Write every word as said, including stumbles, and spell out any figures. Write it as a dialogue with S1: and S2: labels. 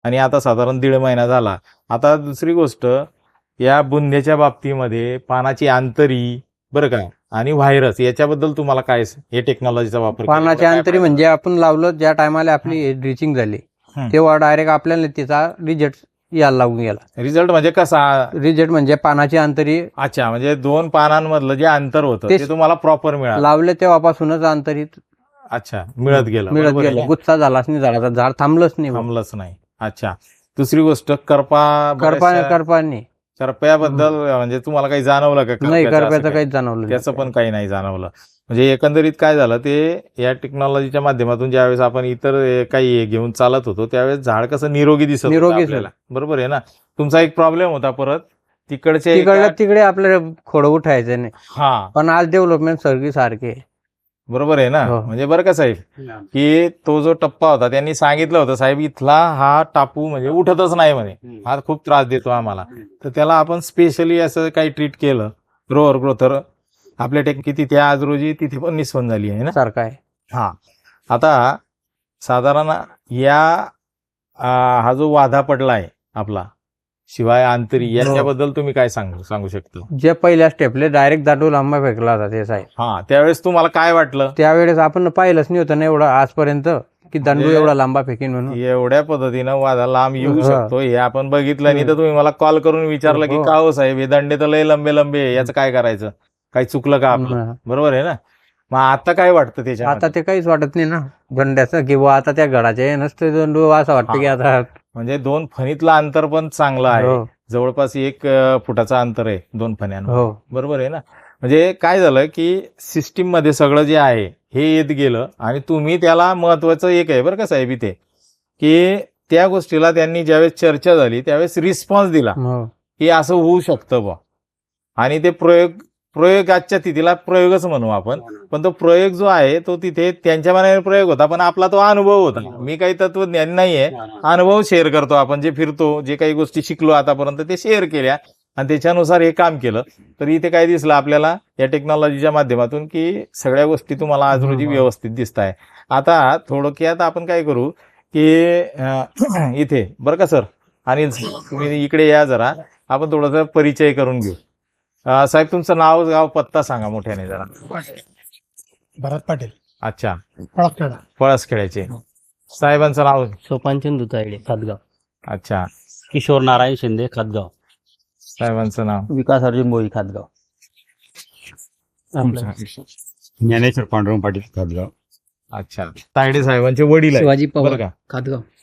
S1: आणि आता साधारण दीड महिना झाला. आता दुसरी गोष्ट, या बुंध्याच्या बाबतीमध्ये पानाची आंतरी बरं का आणि व्हायरस याच्याबद्दल तुम्हाला काय हे टेक्नॉलॉजीचा वापर केला?
S2: पानाची अंतरी म्हणजे आपण लावलं ज्या टायमाला आपली ड्रिचिंग झाली
S1: हं.
S2: तेव्हा डायरेक्ट आपल्याला तिचा रिझल्ट यायला लागून गेला.
S1: रिझल्ट म्हणजे कसा?
S2: रिझल्ट म्हणजे पानाची अंतरी
S1: अच्छा, म्हणजे दोन पानांमधलं जे अंतर होतं
S2: ते
S1: ते तुम्हाला प्रॉपर मिळालं.
S2: लावले तेव्हापासूनच अंतरीत
S1: अच्छा, मिळत गेलं.
S2: मिळत
S1: बरोबर आहे
S2: गेलं.
S1: ना?
S2: गुच्छा झालाच नाही, झाडाचा झाड थांबलंच नाही.
S1: थांबलंच नाही. अच्छा, दुसरी गोष्ट, करपा
S2: करपा
S1: बऱ्याचशा-
S2: करपाने
S1: करप्याबद्दल म्हणजे तुम्हाला काही जाणवलं का?
S2: नाही,
S1: करप्याचं असं
S2: करप्याचं
S1: काही?
S2: काहीच जाणवलं
S1: त्याचं
S2: नाही.
S1: पण काही नाही जाणवलं. म्हणजे एकंदरीत काय झालं, ते या टेक्नॉलॉजीच्या माध्यमातून ज्यावेळेस आपण इतर अ, काही हे घेऊन चालत होतो त्यावेळेस झाड कसं निरोगी दिसत होतं
S2: निरोगी
S1: आपल्याला. बरोबर आहे ना? तुमचा एक प्रॉब्लेम होता परत तिकडच्या
S2: तिकडल्या
S1: एका-
S2: तिकडे आपल्याला खोडं उठायचं नाही.
S1: हा,
S2: पण आज डेव्हलपमेंट सगळी सारखी आहे.
S1: बरोबर आहे ना?
S2: हो.
S1: म्हणजे बरं का साहेब, की तो जो टप्पा होता त्यांनी सांगितलं होतं, साहेब इथला हा टापू म्हणजे उठतच नाही म्हणे, हा खूप त्रास देतो आम्हाला. तर त्याला आपण स्पेशली असं काही ट्रीट केलं, ग्रोअर ग्रोथर आपल्या टेक तिथे आज रोजी तिथे पण निस्पंद झाली आहे ना.
S2: सारखा आहे.
S1: हा, आता साधारण या आ, हा जो वाधा पडला आहे आपला शिवाय अंतरी,
S2: हो.
S1: याच्याबद्दल तुम्ही काय सांगू सांगू शकता?
S2: जे पहिल्या स्टेपले डायरेक्ट दांडू लांबा फेकला होता ते साहेब,
S1: हा, त्यावेळेस तुम्हाला काय वाटलं?
S2: त्यावेळेस आपण पाहिलंच नाही होतं ना एवढं आजपर्यंत की दांडू
S1: म्हणजे
S2: एवढा लांबा फेकीन म्हणून.
S1: एवढ्या पद्धतीनं वादा लांब येऊ
S2: हा.
S1: शकतो हे आपण बघितलं नाही तर तुम्ही मला कॉल करून विचारलं की
S2: हो.
S1: का हो साहेब हे दंडे तर लय लंबे लंबे आहे, याचं काय करायचं? काही चुकलं का आपलं?
S2: हं.
S1: बरोबर आहे ना? मग आता काय वाटतं त्याच्या?
S2: आता ते काहीच वाटत नाही ना दंड्याचं, किंवा आता त्या गडाचे नसते दंडू असं वाटतं की आता
S1: म्हणजे दोन फणीतलं अंतर पण चांगलं आहे.
S2: हो.
S1: जवळपास एक अं, फुटाचं अंतर आहे दोन फण्यांवर.
S2: हो.
S1: बरोबर आहे ना? म्हणजे काय झालं की सिस्टीम मध्ये सगळं जे आहे हे येत गेलं आणि तुम्ही त्याला महत्वाचं एक आहे बरं का साहेब इथे, की त्या गोष्टीला त्यांनी ज्यावेळेस चर्चा झाली त्यावेळेस रिस्पॉन्स दिला
S2: हो.
S1: की असं होऊ शकतं बा, आणि ते प्रयोग प्रयोगाच्या तिथीला प्रयोगच म्हणू आपण, पण तो प्रयोग जो आहे तो तिथे त्यांच्या मनाने प्रयोग होता, पण आपला तो अनुभव होता. मी काही तत्वज्ञान नाहीये, अनुभव शेअर करतो आपण, जे फिरतो जे काही गोष्टी शिकलो आतापर्यंत ते शेअर केल्या आणि त्याच्यानुसार हे काम केलं. तर इथे काय दिसलं आपल्याला या टेक्नॉलॉजीच्या माध्यमातून की सगळ्या गोष्टी तुम्हाला आज रोजी व्यवस्थित दिसत आहे. आता थोडक्यात आपण काय करू की अं, इथे बरं का सर, आणि तुम्ही इकडे या जरा, आपण थोडासा परिचय करून घेऊ. अं, साहेब तुमचं नाव गाव पत्ता सांगा मोठ्याने जरा.
S3: भरत पाटील,
S1: अच्छा,
S3: पळसखेडा.
S1: पळसखेड्याचे. साहेबांचं नाव?
S4: सोपानचंद दुतायडे खातगाव.
S1: अच्छा,
S4: किशोर नारायण शिंदे खातगाव.
S1: साहेबांचं नाव?
S4: विकास अर्जुन मोई खातगाव.
S5: ज्ञानेश्वर पांडुरंग पाटील खातगाव.
S1: अच्छा, तायडे साहेबांचे वडील आहे
S6: शिवाजी
S1: बरं
S6: पवार
S1: का?
S6: खातगाव.